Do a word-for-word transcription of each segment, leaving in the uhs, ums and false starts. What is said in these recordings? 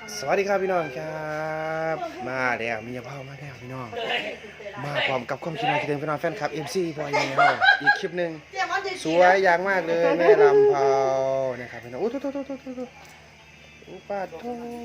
สวัสดีครับพี่น้องครับมาแล้วมีพ่อมาแล้วพี่น้องมาพร้อมกับความคิดเห็นที่เดิมพี่น้องแฟนคลับ เอ็ม ซี บอยแมวอีกคลิปหนึ่งสวยอย่างมากเลยแม่ลำเผานะครับพี่น้องโอ้โหโอ้โหโอ้โหโอ้โหโอ้ปาดโถ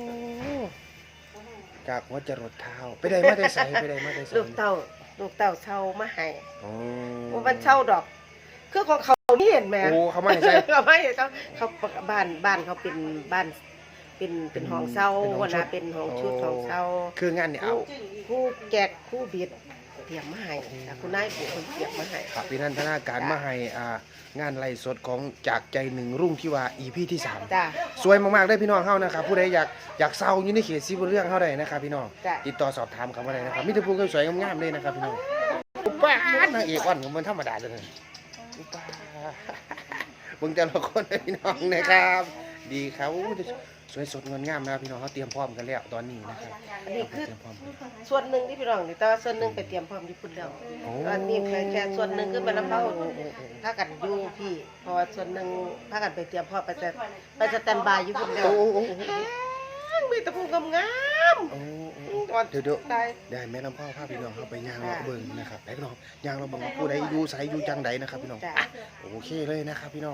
จากหัวจรดเท้าไปได้มาได้ใส่ไปได้มาได้ใส่ลูกเต่าลูกเต่าเช่ามาให้อ๋อว่ามันเช่าดอกคือของเขานี่เห็นไหมโอ้เขาไม่ให้ใส่เขาไม่ให้เขาเขาบ้านบ้านเขาเป็นบ้านเป็นเป็นห้องเช่าวันนะเป็นห้องชุดห้องเช่าคืองานเนี่ยเอาคู่แกกคู่บิดเตรียมมาให้คุณนายปู่คนเตรียมมาให้ครับพี่นันทนาการมาให้อ่างานไล่สดของจากใจหนึ่งรุ่งที่ว่า อี พี ที่สามจ้าสวยมากๆได้พี่น้องเฮานะครับผู้ใดอยากอยากเศร้าอยู่ในเขตซีบุเรื่องเฮาได้นะครับพี่น้องจ้ะติดต่อสอบถามเขามาได้นะครับมีแต่ผู้สวยๆงามๆเลยนะครับพี่น้องอุป้านางเอกอ่อนของมันธรรมดาเลยอุป้าเบิ่งแต่ละคนเลยพี่น้องนะครับดีครับอู้สวยสดงดงามนะครับพี่น้องเขาเตรียมพร้อมกันแล้วตอนนี้นะครับอันนี้คือเตรียมพร้อมกันส่วนหนึ่งที่พี่น้องนี่แต่ว่าส่วนหนึ่งไปเตรียมพร้อมที่พุ่นแล้วอันนี้แค่แค่ส่วนหนึ่งคือมันน้ำเล่าถ้ากันอยู่พี่เพราะว่าส่วนหนึ่งถ้ากันไปเตรียมพร้อมไปจะไปสแตนบายอยู่พุ่นแล้วโอ้โหมีตะพูงงามโอ้โหๆก่อนเดี๋ยวเดี๋ยวได้ได้แม่ลำพ่อพาพี่น้องเข้าไปย่างเราเบิ่งนะครับไปพี่น้องย่างเราเบิ่งว่าผู้ใดอยู่ไสอยู่จังใดนะครับพี่น้องจ้ะอ่ะโอเคเลยนะครับพี่น้อง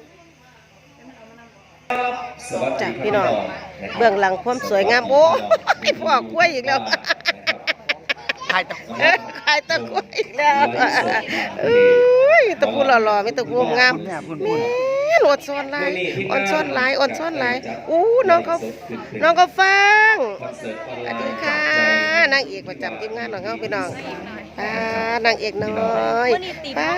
จ้ะพี่น้องเบื้องหลังความสวยงามโอ้ยพ่อกล้วยอีกแล้วถ่ายต่อเอ้ยขายตะกล้วยอีกแล้วอุ้ยตะพูหล่อๆไม่ตะพูงามแม่อดซ้อนลายอดซ้อนลายอดซ้อนลายอู้น้องเขาน้องเขาฟังสวัสดีค่ะนางเอกประจำทีมงานของเขาพี่น้องป้านางเอกน้อยป้า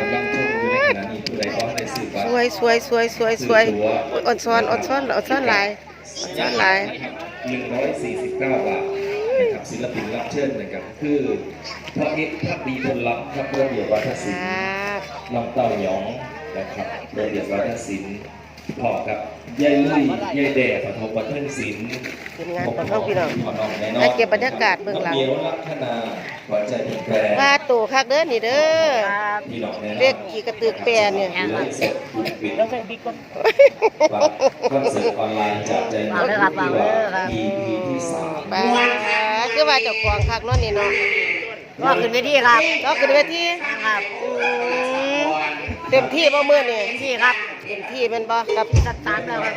สวยสวยสวยสวยสวยอดซ้อนอดซ้อนอดซ้อนลายอดซ้อนลายหนึ่งร้อยสี่สิบเก้าบาทนะครับศิลปินรับเชิญนะครับคือพระเอกพระดีพลลับพระเพื่อนเดียววัฒนศิลป์น้องเต้าหยองนะครับเพื่อนเดียววัฒนศิลป์พ่อครับยายลุยยายแด่ปฐมวัฒนศิลป์ทีมงานของเขาพี่น้องให้เก็บบรรยากาศเบื้องหลังเมียวลักษณาหวานใจผิดแปรว่าตู่คักเด้อนี่เด้อพี่น้องแน่นอนเรียกกี่กระตือแปรเนี่ยไลฟ์สดคุณปิดแล้วใส่บิ๊กคอนเสิร์ตออนไลน์จากใจหนึ่งที่ว่า อี พี ที่สามป้าคือว่าเจ้าของคักเนาะนี่เนาะก็ขึ้นไปที่ครับก็ขึ้นเวทีครับอืมเต็มที่บ่มื้อนี่ที่ครับเต็มที่แม่นบ่กับสตาร์ทแล้วครับ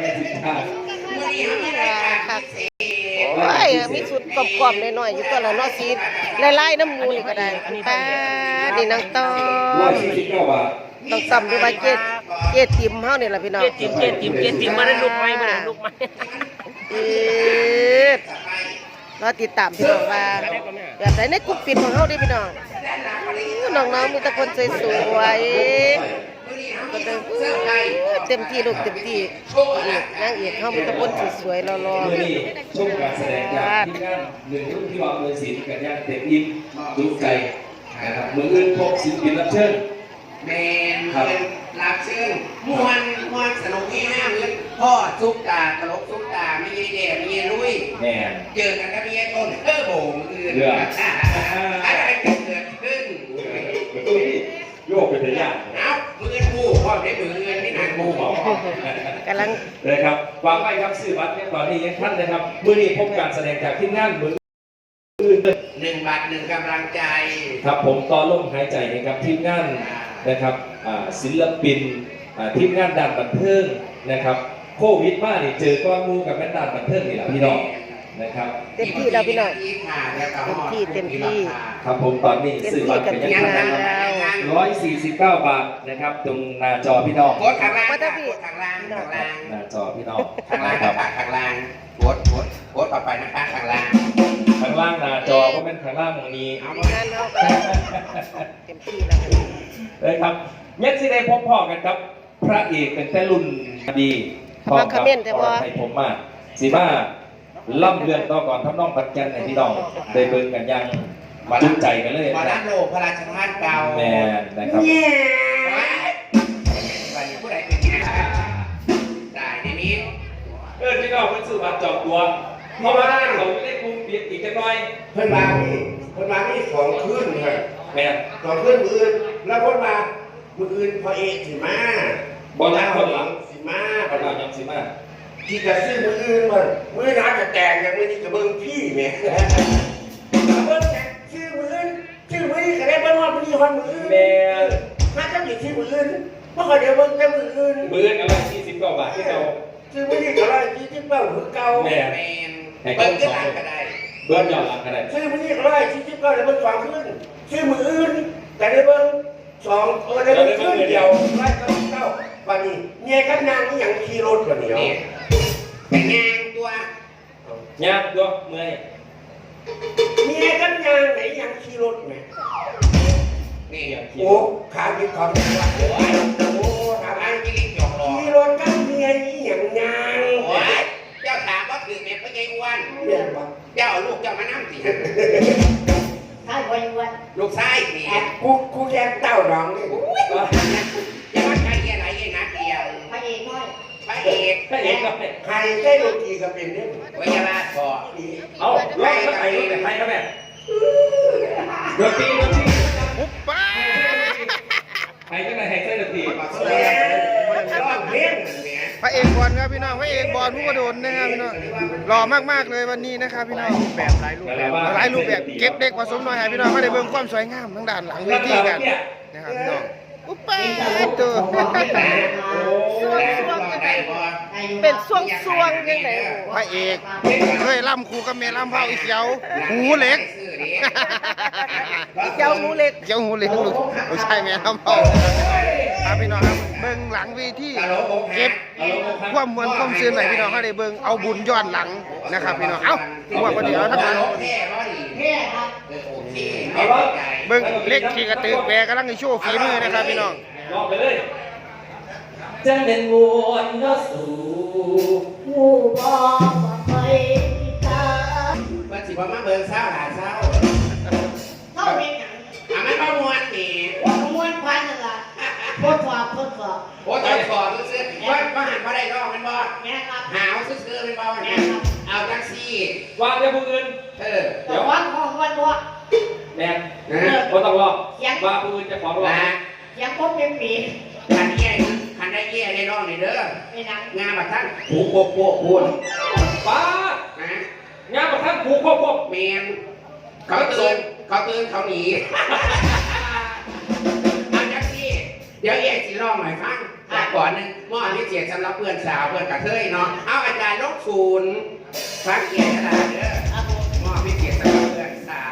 คักโอ้ยมีสุดกรอบๆหน่อยๆอยู่ตัวละเนาะสีลายๆน้ำมูนี่ก็ได้ป้านี่นางต้อร้อยมสี่สิบเก้าบาทต้องต้อมดูว่าเจ็ดเจ็ดติ่มเฮานี่ล่ะพี่น้องเจ็ดจิมเจ็ดจิมเจ็ดจิมมาได้ลูกไหมมาได้ลูกไหมเอ็ดรอติดตามพี่น้องว่าแบบไหนในกลุ่มปิดของเฮาเด้พี่น้องน้องๆมีแต่คนสวยๆก็เต็มที่ลูกเต็มที่เอกนางเอกเฮามีแต่คนสวยๆหล่อเมื่อนี้ชมการแสดงจากที่งานหนึ่งรุ่นที่วางเงินศิลป์กับย่างเต็มอิ่มดูใจนะครับมืออื่นพบศิลปินรับเชิญแมนเป็นรับเชิญมวนมวนสนุกที่ห้ามือพ่อซุกตาตลกซุกตาไม่เย่แย่ไม่เย่ลุยแม่เจอกันก็ไม่เย่ต้นเออโบงอื่นอะไรเกิดขึ้นโยกเป็นระยะเอ้ามือผู้พ่อได้มือเงินนี่นานมูผู้บอกๆกำลังเลยครับวางไว้ครับสื่อบัตรเนี่ยตอนนี้ยังท่านนะครับมือนี้พบการแสดงจากที่งานมือหนึ่งบาทหนึ่งกำลังใจครับผมต่อลมหายใจนะครับทีมงานนะครับอ่าศิลปินอ่าทีมงานด้านบันเทิงนะครับโควิดมาเนี่ยเจอก้อนมูกับแม่ด้านบันเทิงนี่แหละพี่น้องนะครับเต็มที่แล้วพี่น้องเต็มที่เต็มที่ครับผมตอนนี้สื่อบัตรเป็นยังไงเต็มที่กับทีมงานร้อยสี่สิบเก้าบาทนะครับตรงหน้าจอพี่น้องกดข้างล่างกดข้างล่างข้างล่างหน้าจอพี่น้องข้างล่างนะครับข้างล่างกดกดกดต่อไปนะคะข้างล่างข้างล่างหน้าจอก็เป็นข้างล่างตรงนี้เอาทีมงานเฮาก็เต็มที่แล้วเลยครับยักษ์สิได้พบพ่อกันครับ พระเอกเป็นแต่รุ่นดีเขามาคอมเมนต์แต่ว่าให้ผมมาสีมาล่ำเรื่องต่อก่อนทำน้องปัจจันในพี่น้องได้เบิ่งกันยังจุใจกันเลยมาด้านโลกพระราชทานเก่าแม่นะครับเนี่ยวันนี้ผู้ใดเป็นไงได้ในนี้เออพี่น้องเป็นสื่อบัตรจอบตัวเพราะว่าเขาไม่ได้คุมปิดอีกจังหน่อยเพิ่นมาเพิ่นมาที่สองคืนครับแม่สองคืนมืออื่นแล้วเพิ่นมามืออื่นพอเอกสิมาบอลนักคนหลังสิมาบอลนักยังสิมาพที่จะซื้อมืออื่นมันมือน้าจะแตกอย่างมือนี้กับเบิ้งพี่แม่เบิ้งแตกซื้อมืออื่นซื้อมือนี้ก็ได้เบิ้งว่ามือนี้คนมืออื่นแม่ถ้าจะมีซื้อมืออื่นเมื่อก่อนเดี๋ยวเบิ้งแต่มืออื่นมืออะไรสี่สิบกว่าบาทที่เราซื้อมือนี้ก็ได้ที่ที่เบิ้งมือเก่าแม่แม่เบิ้งก็ได้ก็ได้เบิ้งยอดหลังกันได้ซื้อมือนี้ก็ได้ที่ที่เบิ้งได้เบิ้งสองขึ้นซื้อมืออื่นแต่ได้เบิ้งสองเออได้เบิ้งขึ้นเดียวได้เก้าเก้าวันนี้เมียกันนางนี่ยังขี่รถวันนี้แต่งานตัวยากตัวเมื่อยเมียกันยางไหนยังขี่รถไหมนี่โอ้ขาดีของว่าโอ้ยโอ้ทำไมไม่ได้จบหรอขี่รถกันเมียนี่อย่างยางโอ้ยเจ้าถามว่าคือเมียเป็นไงอ้วนเจ้าลูกเจ้ามานั่งสิใช่พออยู่วันลูกชายนี่กูกูแยกเต้าดองนี่อย่ามาใช้อะไรยังนักเดียวพระเอกน้อยพระเอกไม่เห็นก็ไม่ใครได้ลูกทีก็เป็นเนี่ยวิทยาลาพอเอาลองมาใส่แต่ใครครับแม่โดนตีโดนตีปุ๊บป้าใครก็ได้ให้ใส่ดนตรีร้องเพลงเนี่ยพระเอกบอลครับพี่น้องพระเอกบอลผู้กระโดดนะครับพี่น้องหล่อมากๆเลยวันนี้นะครับพี่น้องแบบหลายรูปแบบหลายรูปแบบเก็บเด็กผสมน้อยให้พี่น้องมาได้เบิ่งความสวยงามทั้งด้านหลังเวทีกันนะครับพี่น้องปุ๊บป้าตัวเป็นช่วงช่วงๆยังไงพระเอกเคยล่ำครูกับเมล่ำเผาอีเขียวหูเล็กเจ้าหมูเล็กเขียวหูเล็กลูกไม่ใช่เมล่ำเผาครับพี่น้องครับเบิ่งหลังเวทีเก็บความมวลความซื่นไหนพี่น้องเขาได้เบิ่งเอาบุญย้อนหลังนะครับพี่น้องเอ้าว่าประเดี๋ยวถ้าเบิ่งเท่ครับเบิ่งเล็กขี่กระตือแปรกำลังในโชว์ฝีมือนะครับพี่น้องลองไปเลยจังเป็นมวนก็สู่ผู้บอกว่าเคยที่ตามันสิบ่มาเบิ่งเศร้าหลาเศร้าเข้าเองอย่างอ่ะมันบ่ม่วนนี่ว่าขมวนพันนั่นล่ะทดสอบทดสอบโอ้ตอนสอนซื่อๆว่าบ่หันบ่ได้ร้องมันบ่แม่ครับหาวซื่อๆมันบ่เนี่ยเอาจังซี่วางเดี๋ยวผู้อื่นเออแต่วัดของวันว่าแม่นะก็ต้องรอว่าผู้อื่นจะขอร้องนะยังพบเป็นปีคันแย่คันได้แย่ได้ร้องนี่เด้อไม่นังงานบัดท่านผูกโปกโปกพูนป้านะงานประทับผูกครบครบแมนเขาตื่นเขาตื่นเขาหนีเอาจังซี่เดี๋ยวเอ็สิร้องหน่อยฟังแต่ก่อนหนึงมอพิเศษสำหรับเพื่อนสาวเพื่อนกระเทยเนาะเอาอาจารย์ลกศูนย์ฟังเกียรติกระดาษเด้อครับผมมอพิเศษสำหรับเพื่อนสาว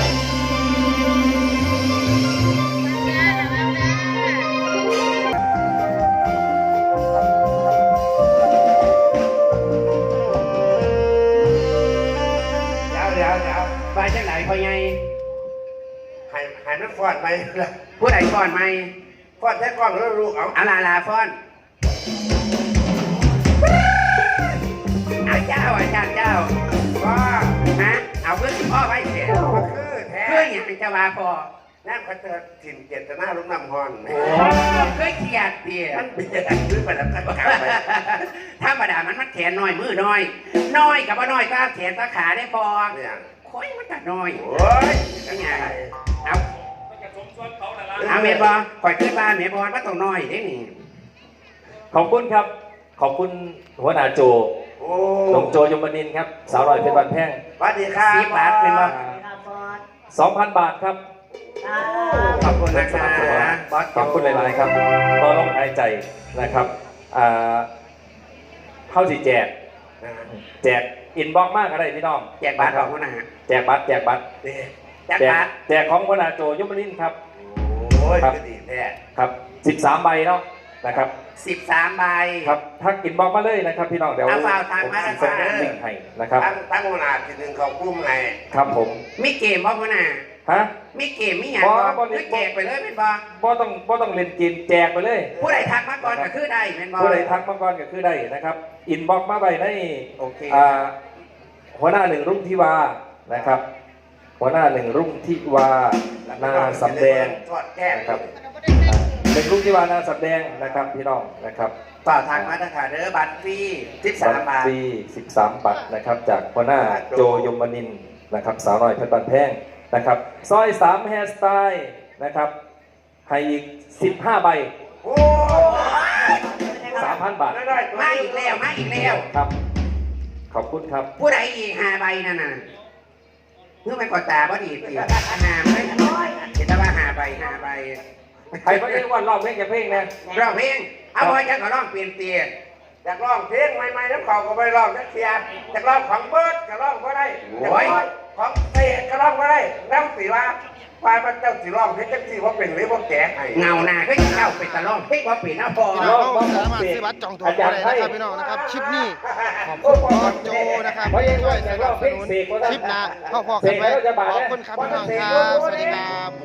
เดี๋ยวเดี๋ยวเดี๋ยวไปจังไหนพ่อใหญ่หายหายมันฟอดไปผู้ใดฟอดไหมฟอดแค่กล้องแล้วลูกเอาอาลาลาฟอดเอาเจ้าอาจารย์เจ้าพ่อฮะเอาเพื่อนพ่อไว้เสียคือแท้เพื่อนอย่างเป็นเจ้าว่าพ่อนั่นเขาเจอถิ่นเจตนาลุงน้ำฮอนโอ้เคยเขียดเดียมันเบียดขึ้นไปแล้วกันประกาศไปธรรมดามันมันแขนน้อยมือน้อยน้อยกับว่าน้อยก็แขนตาขาได้พอเนี่ยค่อยมันตัดน้อยโอ้ยนี่ไงเอาเอาเมียบอคอยขึ้นบ้านเมียบอว่าต้องน้อยได้นี่ขอบคุณครับ ขอบคุณหัวหน้าโจโอ้หลวงโจยมนินทร์ครับ สาวลอยเพชรบันแพงสวัสดีครับสิบบาทเป็นบ่ครับบอสสองพันบาทครับครับขอบคุณนะครับบอสขอบคุณหลายๆครับต่อลมหายใจนะครับอ่าเข้าสีแจก แจกอินบ็อกซ์มากอะไรพี่น้องแจกบาทของนะฮะแจกบัตรแจกบัตรแจกบาทแจกของหัวหน้าโจยมนินทร์ครับโอ้ยดีแท้ครับสิบสามใบเนาะนะครับสิบสามใบครับทักอินบ็อกซ์มาเลยนะครับพี่น้องเดี๋ยวเอาฝากทางผมมาส่ทาง งลิงก์ให้นะครับตั้งตั้งเวลาทีหนึ่งเขากุ้มไงครับผมมีเกมบ่พ่อน่ะฮะมีเกมมีอย่างบ่คือแจกไปเลยเป็นบ่บ่ต้องบ่ต้องเล่นเกมแจกไปเลยผู้ใดทักมาก่อนก็คือได้เป็นบ่ผู้ใดทักมาก่อนก็คือได้นะครับ อินบ็อกซ์มาไปในโอเคอ่าหัวหน้าหนึ่งรุ่งทิวานะครับ หัวหน้าหนึ่งรุ่งทิวานาสำแดงทอดแก้มนะครับอ่าหนึ่งรุ่งทิวานาสำแดงนะครับพี่น้องนะครับต่อทางมาตรฐานเด้อบัตรฟรีสิบสามบาทฟรีสิบสามบัตรนะครับจากหัวหน้าโจยมนินทร์นะครับสาวน้อยเพชรบันแพงนะครับซอยสามแฮร์สไตล์นะครับให้อีกสิบห้าใบโอ้ยสามพันบาทมาอีกแล้วมาอีกแล้วครับ ขอบคุณครับผู้ใดอีกหาใบนั่นน่ะเพื่อไม่กดตาบ่ดีสิหาไม่น้อยเห็นแต่ว่าหาใบหาใบใครไม่ได้ว่ารอบเพลงจะเพลงนะร้องเพลงเอาไว้จะก็ร้องเปลี่ยนเตียอยากร้องเพลงใหม่ๆน้ำเขาก็ไปร้องนักเสียอยากร้องของเบิร์ดก็ร้องก็ได้อยากร้องของเตะก็ร้องก็ได้น้ำสีว่าฝ่ายมันเจ้าสีร้องเพลงจังสีว่าเป็นหรือว่าแก่ให้เงาหน้าก็จะเข้าไปตะร้องเพลงว่าเป็นหน้าพอพี่น้องเขาสามารถซื้อบัตรจองตั๋วได้นะครับพี่น้องนะครับคลิปนี้ขอบคุณบอสโจนะครับที่ช่วยสนับสนุนคลิปหน้าเข้าพอกันไว้ขอบคุณครับพี่น้องครับสวัสดีครับ